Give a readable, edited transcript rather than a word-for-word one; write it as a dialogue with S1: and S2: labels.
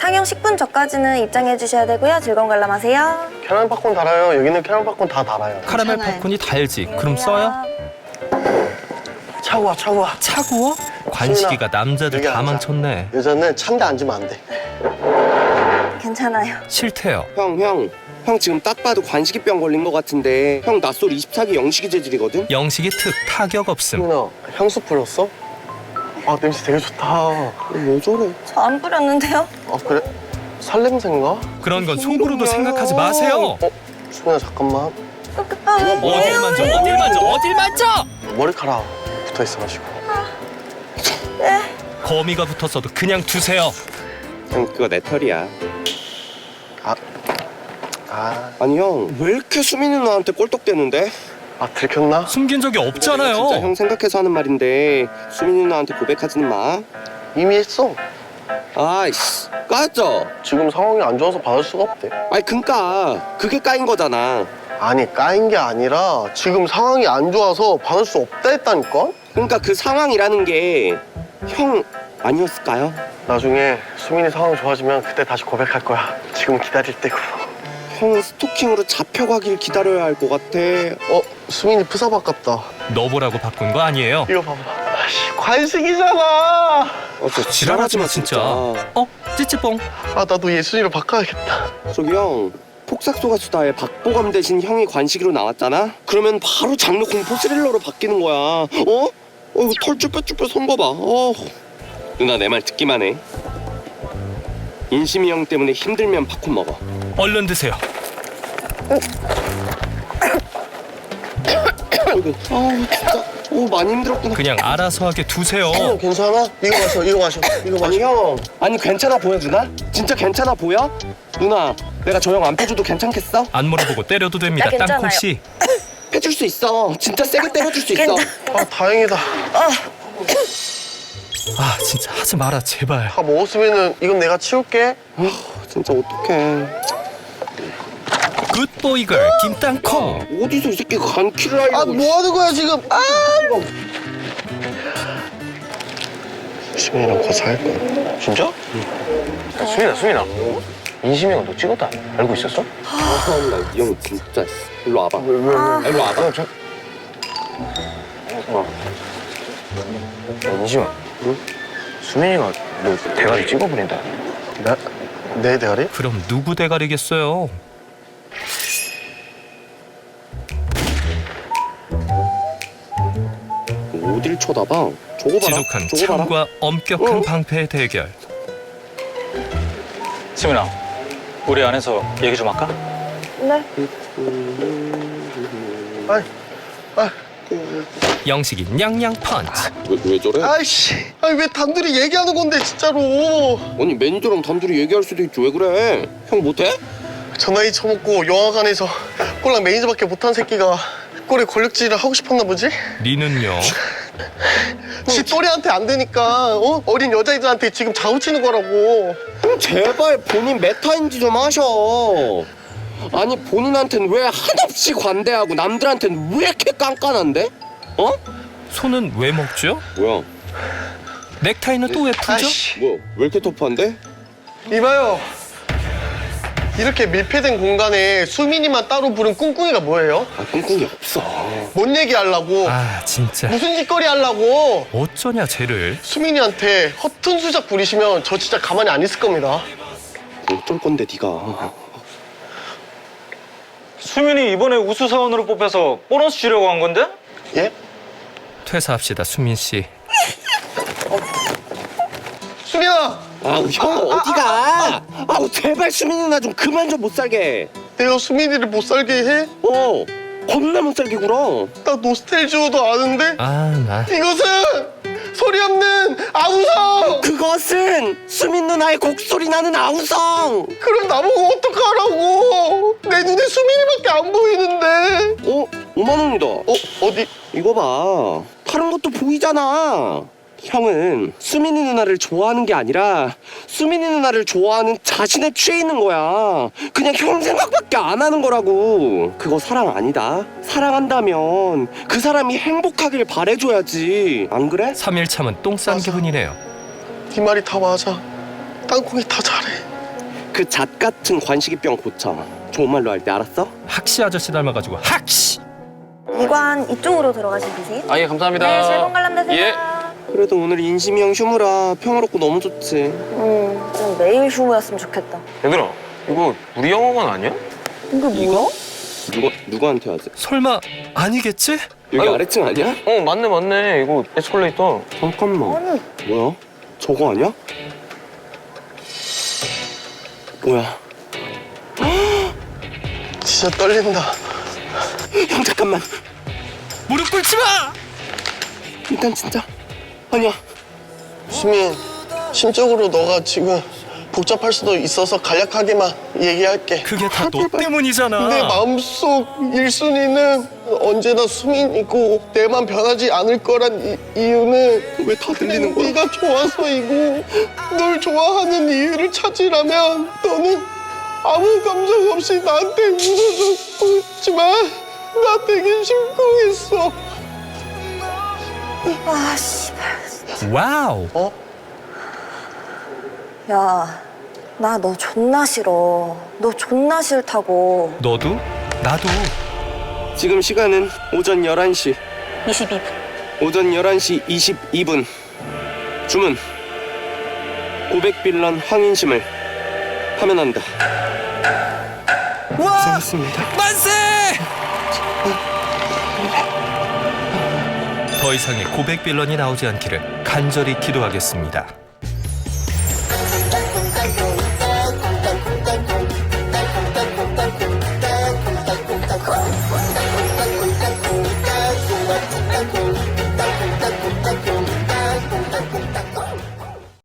S1: 탕형 10분 전까지는 입장해 주셔야 되고요. 즐거운 관람하세요.
S2: 캐러멜 팝콘 달아요. 여기는 캐러멜 팝콘 다 달아요.
S3: 카라멜
S1: 괜찮아요.
S3: 팝콘이 달지. 그럼 써요?
S2: 차고 와, 차고 와.
S3: 차구워? 관식이가 남자들
S2: 여기
S3: 다
S2: 앉아.
S3: 망쳤네.
S2: 여자는 찬데 앉으면 안 돼.
S1: 괜찮아요.
S3: 싫대요.
S4: 형 지금 딱 봐도 관식이병 걸린 것 같은데 형 낯솔 24기 영식이 재질이거든?
S3: 영식이 특 타격 없음.
S2: 수민아, 향수 뿌렸어? 아, 냄새 되게 좋다.
S4: 왜 저래?
S1: 저 안 뿌렸는데요?
S2: 아, 그래? 살냄새인가?
S3: 그런 건 속으로도 생각하지 마세요.
S2: 수민아, 잠깐만.
S3: 어딜 만져, 어딜 만져, 어딜 만져!
S2: 머리카락 붙어 있어가지고.
S3: 거미가 붙었어도 그냥 두세요.
S4: 형 그거 내 털이야. 아니 형 왜 이렇게 수민 누나한테 꼴떡대는데?
S2: 아, 들켰나?
S3: 숨긴 적이 없잖아요.
S4: 진짜 형 생각해서 하는 말인데 수민 누나한테 고백하지는 마.
S2: 이미 했어.
S4: 아이씨 까였죠?
S2: 지금 상황이 안 좋아서 받을 수가 없대.
S4: 아니 그니까 그게 까인 거잖아.
S2: 아니, 까인 게 아니라 지금 상황이 안 좋아서 받을 수 없다 했다니까?
S4: 그러니까 그 상황이라는 게 형 아니었을까요?
S2: 나중에 수민이 상황 좋아지면 그때 다시 고백할 거야. 지금 기다릴 때고.
S4: 형 스토킹으로 잡혀가길 기다려야 할 것 같아.
S2: 수민이 푸사박 같다.
S3: 너 보라고 바꾼 거 아니에요.
S2: 이거 봐봐. 아씨, 관식이잖아.
S4: 진짜
S3: 지랄하지 마 진짜. 찌찌뽕.
S2: 아, 나도 예순이로 바꿔야겠다.
S4: 저기 형 폭삭소가 수다에 박보검 대신 형이 관식이로 나왔잖아? 그러면 바로 장르 공포 스릴러로 바뀌는 거야. 이거 털 쭈뼛쭈뼛 선 거 봐. 누나 내 말 듣기만 해. 인심이 형 때문에 힘들면 팝콘 먹어.
S3: 얼른 드세요.
S4: 진짜 많이 힘들었구나.
S3: 그냥 알아서 하게 두세요.
S2: 괜찮아? 이거 마셔, 이거 마셔, 이거 마셔.
S4: 아니 형, 아니 괜찮아 보여 누나? 진짜 괜찮아 보여? 누나 내가 저 형 안 패줘도 괜찮겠어?
S3: 안 물어보고 때려도 됩니다.
S1: 나 괜찮아요.
S3: 땅콩 씨.
S4: 패줄 수 있어. 진짜 세게 때려줄 수 있어.
S2: 아, 다행이다.
S3: 아 진짜 하지 마라 제발.
S2: 다 먹었으면은 이건 내가 치울게.
S4: 진짜 어떡해.
S3: 굿보이걸 김땅콩.
S4: 어디서 이 새끼 간키를 하려고.
S2: 아, 뭐 하는 거야, 지금? 수민이랑 곧 살 거야.
S5: 진짜? 야, 수민아. 인심이가 너 찍었다. 알고 있었어?
S4: 이 형 진짜. 일로 와봐. 일로 와봐.
S5: 야, 인심아. 응? 수민이가 너 대가리 찍어버린다.
S2: 내 대가리?
S3: 그럼 누구 대가리겠어요?
S4: 어딜 쳐다봐? 저거 봐라.
S3: 지독한
S4: 저거 봐라.
S3: 참과 엄격한
S4: 어? 방패
S3: 대결.
S6: 수민아, 우리 안에서 얘기 좀 할까?
S1: 네.
S3: 영식이 냥냥 펀치.
S4: 왜 저래?
S2: 아이씨, 아니 왜 단둘이 얘기하는 건데 진짜로.
S4: 아니 매니저랑 단둘이 얘기할 수도 있지. 왜 그래? 형 못해?
S2: 저 나이 처먹고 영화관에서 꼴랑 매니저밖에 못한 새끼가 꼴에 권력질을 하고 싶었나 보지?
S3: 니는요?
S2: 지 또래한테 안 되니까 어린 여자애들한테 지금 자우치는 거라고.
S4: 형 제발 본인 메타인지 좀 하셔. 아니 본인한테는 왜 한없이 관대하고 남들한테는 왜 이렇게 깐깐한데?
S3: 손은 왜 먹죠?
S4: 뭐야?
S3: 넥타이는 또 왜 풀죠?
S2: 아이씨,
S4: 뭐야? 왜 이렇게 터프한데?
S2: 이봐요. 이렇게 밀폐된 공간에 수민이만 따로 부른 꿍꿍이가 뭐예요?
S4: 아 꿍꿍이 없어.
S2: 뭔 얘기 하려고?
S3: 아 진짜
S2: 무슨 짓거리 하려고?
S3: 어쩌냐 쟤를.
S2: 수민이한테 허튼 수작 부리시면 저 진짜 가만히 안 있을 겁니다.
S4: 어쩔 건데 네가.
S6: 수민이 이번에 우수사원으로 뽑혀서 보너스 주려고 한 건데?
S2: 예?
S3: 퇴사합시다 수민 씨.
S2: 수민아!
S4: 아우 형 어디가? 아우 제발 수민 누나 좀 그만 좀 못 살게.
S2: 내가 수민이를 못 살게 해?
S4: 겁나 못 살게 굴어.
S2: 나 노스텔지오도 아는데?
S3: 나
S2: 이것은 소리 없는 아우성!
S4: 그것은 수민 누나의 곡소리 나는 아우성.
S2: 그럼 나보고 어떡하라고? 내 눈에 수민이밖에 안 보이는데.
S4: 5만 원이다.
S2: 어디?
S4: 이거 봐. 다른 것도 보이잖아. 형은 수민이 누나를 좋아하는 게 아니라 수민이 누나를 좋아하는 자신에 취해 있는 거야. 그냥 형 생각밖에 안 하는 거라고. 그거 사랑 아니다. 사랑한다면 그 사람이 행복하길 바래줘야지. 안 그래?
S3: 3일 참은 똥 싼
S2: 맞아.
S3: 기분이네요.
S2: 네 말이 다 맞아. 땅콩이 다 잘해.
S4: 그 잣 같은 관식이병 고쳐. 좋은 말로 할 때 알았어?
S3: 학시 아저씨 닮아가지고 학시.
S1: 이관 이쪽으로 들어가시면 되세요.
S5: 아, 예, 감사합니다.
S1: 네, 즐거운 관람 되세요.
S5: 예.
S4: 그래도 오늘 인심이 형 휴무라 평화롭고 너무 좋지.
S1: 좀 매일 휴무였으면 좋겠다.
S5: 얘들아, 이거 우리 영화관 아니야?
S1: 이거 뭐야?
S4: 누구한테 하지?
S3: 설마 아니겠지?
S4: 여기
S5: 아유.
S4: 아래층 아니야?
S5: 맞네. 이거 에스컬레이터.
S4: 잠깐만.
S1: 아니,
S4: 뭐야? 저거 아니야? 뭐야?
S2: 진짜 떨린다.
S4: 형 잠깐만.
S3: 무릎 꿇지 마.
S4: 일단 진짜 아니야.
S2: 수민, 심적으로 너가 지금 복잡할 수도 있어서 간략하게만 얘기할게.
S3: 그게 다 너 때문이잖아.
S2: 내 마음속 1순위는 언제나 수민이고 내만 변하지 않을 거란 이유는
S4: 왜 다 들리는 거야?
S2: 네가 좋아서이고 널 좋아하는 이유를 찾으라면 너는 아무 감정 없이 나한테 웃어주고 있지만 나 되게 심쿵했어.
S1: 아, 씨발.
S3: 와우.
S1: 야, 나 너 존나 싫어. 너 존나 싫다고.
S3: 너도? 나도.
S4: 지금 시간은 오전 11시.
S1: 22분.
S4: 오전 11시 22분. 주문. 고백빌런 황인심을 파면한다.
S3: 와.
S4: 고생했습니다.
S3: 만세! 더 이상의 고백 빌런이 나오지 않기를 간절히 기도하겠습니다.